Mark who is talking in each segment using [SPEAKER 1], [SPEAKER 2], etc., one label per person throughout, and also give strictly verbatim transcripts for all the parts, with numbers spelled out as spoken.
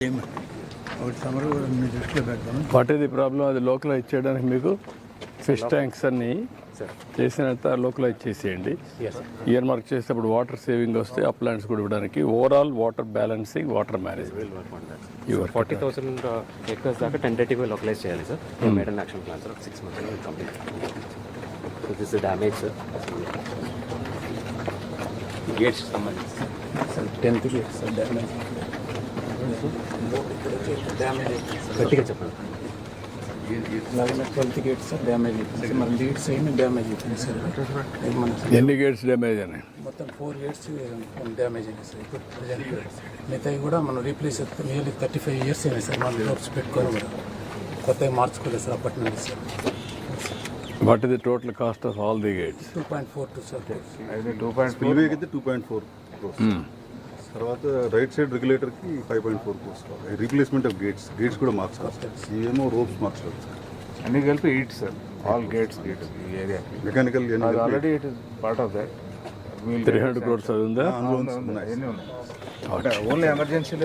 [SPEAKER 1] What is the problem? అది localize చేయడానికి మీకు ఫిష్ ట్యాంక్స్ అన్ని చేసినంత లోకలైజ్ చేసేయండి. ఇయర్ మార్క్ చేసేటప్పుడు వాటర్ సేవింగ్ వస్తే అప్లాంట్స్ కూడా ఇవ్వడానికి overall water balancing water management
[SPEAKER 2] forty thousand acres దాకా టెంటేటివ్గా లోకలైజ్ చేయాలి sir. Made and action plan sir six months complete. So this damage sir gates సంబంధించి sir tenth gates sir damage గట్టిగా చెప్పండి.
[SPEAKER 3] ట్వెల్త్ గేట్స్ సార్ డ్యామేజ్ అయిపోయింది. మన leads ఏమి damage అయిపోయింది సార్.
[SPEAKER 1] ఎన్ని గేట్స్ డ్యామేజ్ అయినాయి?
[SPEAKER 3] మొత్తం ఫోర్ గేట్స్ డ్యామేజ్ అయినాయి సార్. ఇప్పుడు ప్రజెంట్ మిగతాయి కూడా మనం రీప్లేస్ చేస్తాం. నియర్లీ థర్టీ ఫైవ్ ఇయర్స్ అయినాయి సార్. మనం డోర్స్ పెట్టుకొని కూడా కొత్తగా మార్చుకోలేదు సార్ అప్పటి నుంచి sir.
[SPEAKER 1] What is the total cost of all the gates?
[SPEAKER 3] Two point four two sir.
[SPEAKER 4] Two point spillway అయితే టూ పాయింట్ ఫోర్ తర్వాత రైట్ సైడ్ రెగ్యులేటర్కి five point four crores replacement of gates gates కూడా మార్చాలి sir. ఇవేమో ropes మార్చాలి sir.
[SPEAKER 5] అన్ని కలిపి eight sir. All gates gates ఈ area
[SPEAKER 4] mechanical
[SPEAKER 5] already it is part of that.
[SPEAKER 1] Three hundred crores అది ఉందా?
[SPEAKER 5] ఎన్ని ఉన్నాయి? ఓన్లీ ఎమర్జెన్సీలో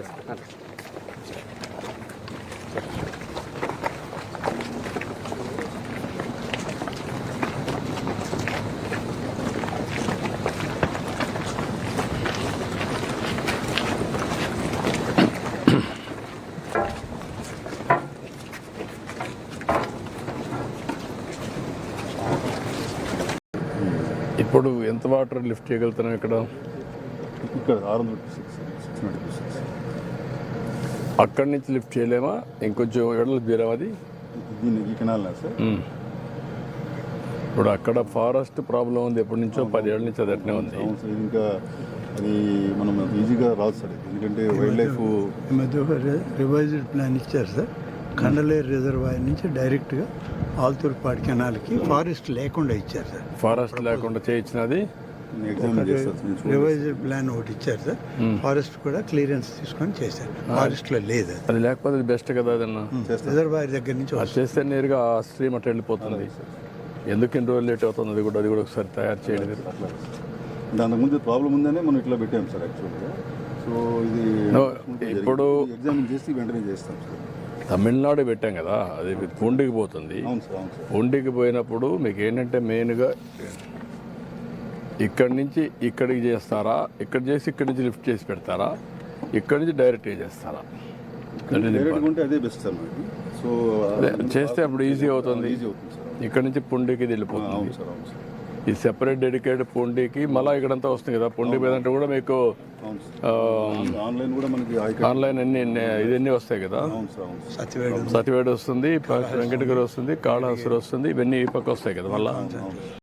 [SPEAKER 1] ఇప్పుడు ఎంత వాటర్ లిఫ్ట్ చేయగలుగుతున్నాం ఇక్కడ?
[SPEAKER 4] ఇక్కడ ఆరు వందల సిక్స్ సిక్స్ నైంటీ సిక్స్
[SPEAKER 1] అక్కడి నుంచి లిఫ్ట్ చేయలేమా? ఇంకొంచెం ఎడలు తీరాం అది
[SPEAKER 4] దీన్ని ఈ కెనాల్ సార్.
[SPEAKER 1] ఇప్పుడు అక్కడ ఫారెస్ట్ ప్రాబ్లం ఉంది ఎప్పటి నుంచో, పదేళ్ళ నుంచి అది అట్నే ఉంది.
[SPEAKER 4] అవును సార్. ఇంకా అది మనం ఈజీగా రాదు సార్. ఎందుకంటే వైల్డ్ లైఫ్
[SPEAKER 6] ఈ మధ్య ఒక రివైజ్డ్ ప్లాన్ ఇచ్చారు సార్. కండలేరు రిజర్వాయర్ నుంచి డైరెక్ట్గా ఆల్తూర్పాడు కెనాల్కి ఫారెస్ట్ లేకుండా ఇచ్చారు సార్.
[SPEAKER 1] ఫారెస్ట్ లేకుండా చేయించినది
[SPEAKER 6] రివైజ్డ్ ప్లాన్ ఒకటి ఇచ్చారు సార్. ఫారెస్ట్ కూడా క్లియరెన్స్ తీసుకొని చేశారు. ఫారెస్ట్ లో లేదు
[SPEAKER 1] అది. లేకపోతే బెస్ట్ కదా అదన్నా.
[SPEAKER 6] రిజర్వాయర్ దగ్గర నుంచి
[SPEAKER 1] అది చేస్తే నేరుగా ఆ స్ట్రీమ్ అట్లా వెళ్ళిపోతుంది. ఎందుకు ఇన్ని రోజులు లేట్ అవుతుంది? అది కూడా అది కూడా ఒకసారి తయారు చేయడం.
[SPEAKER 4] దాని ముందు ప్రాబ్లం ఉందనే మనం ఇట్లా పెట్టాం సార్ యాక్చువల్గా. సో ఇది
[SPEAKER 1] ఇప్పుడు
[SPEAKER 4] ఎగ్జామిన్ చేసి వెంటనే చేస్తాం సార్.
[SPEAKER 1] తమిళనాడు పెట్టాం కదా, అది పూండికి పోతుంది. పూండికి పోయినప్పుడు మీకు ఏంటంటే మెయిన్గా ఇక్కడి నుంచి ఇక్కడికి చేస్తారా, ఇక్కడ చేసి ఇక్కడి నుంచి లిఫ్ట్ చేసి పెడతారా, ఇక్కడి నుంచి డైరెక్ట్గా చేస్తారా?
[SPEAKER 4] అదే బెస్ట్ సార్. సో
[SPEAKER 1] చేస్తే అప్పుడు ఈజీ అవుతుంది. ఇక్కడ నుంచి పుండికి వెళ్ళిపోతుంది. ఈ సెపరేట్ డెడికేటెడ్ పుండికి మళ్ళీ ఇక్కడంతా వస్తుంది కదా. పుండి మీద అంటే కూడా మీకు
[SPEAKER 4] ఆన్లైన్ కూడా మనకి
[SPEAKER 1] ఆన్లైన్ అన్ని ఇవన్నీ వస్తాయి కదా. సతివేడు వస్తుంది, వెంకటగిరి వస్తుంది, కాళహస్తి వస్తుంది, ఇవన్నీ ఈ పక్క వస్తాయి కదా మళ్ళీ.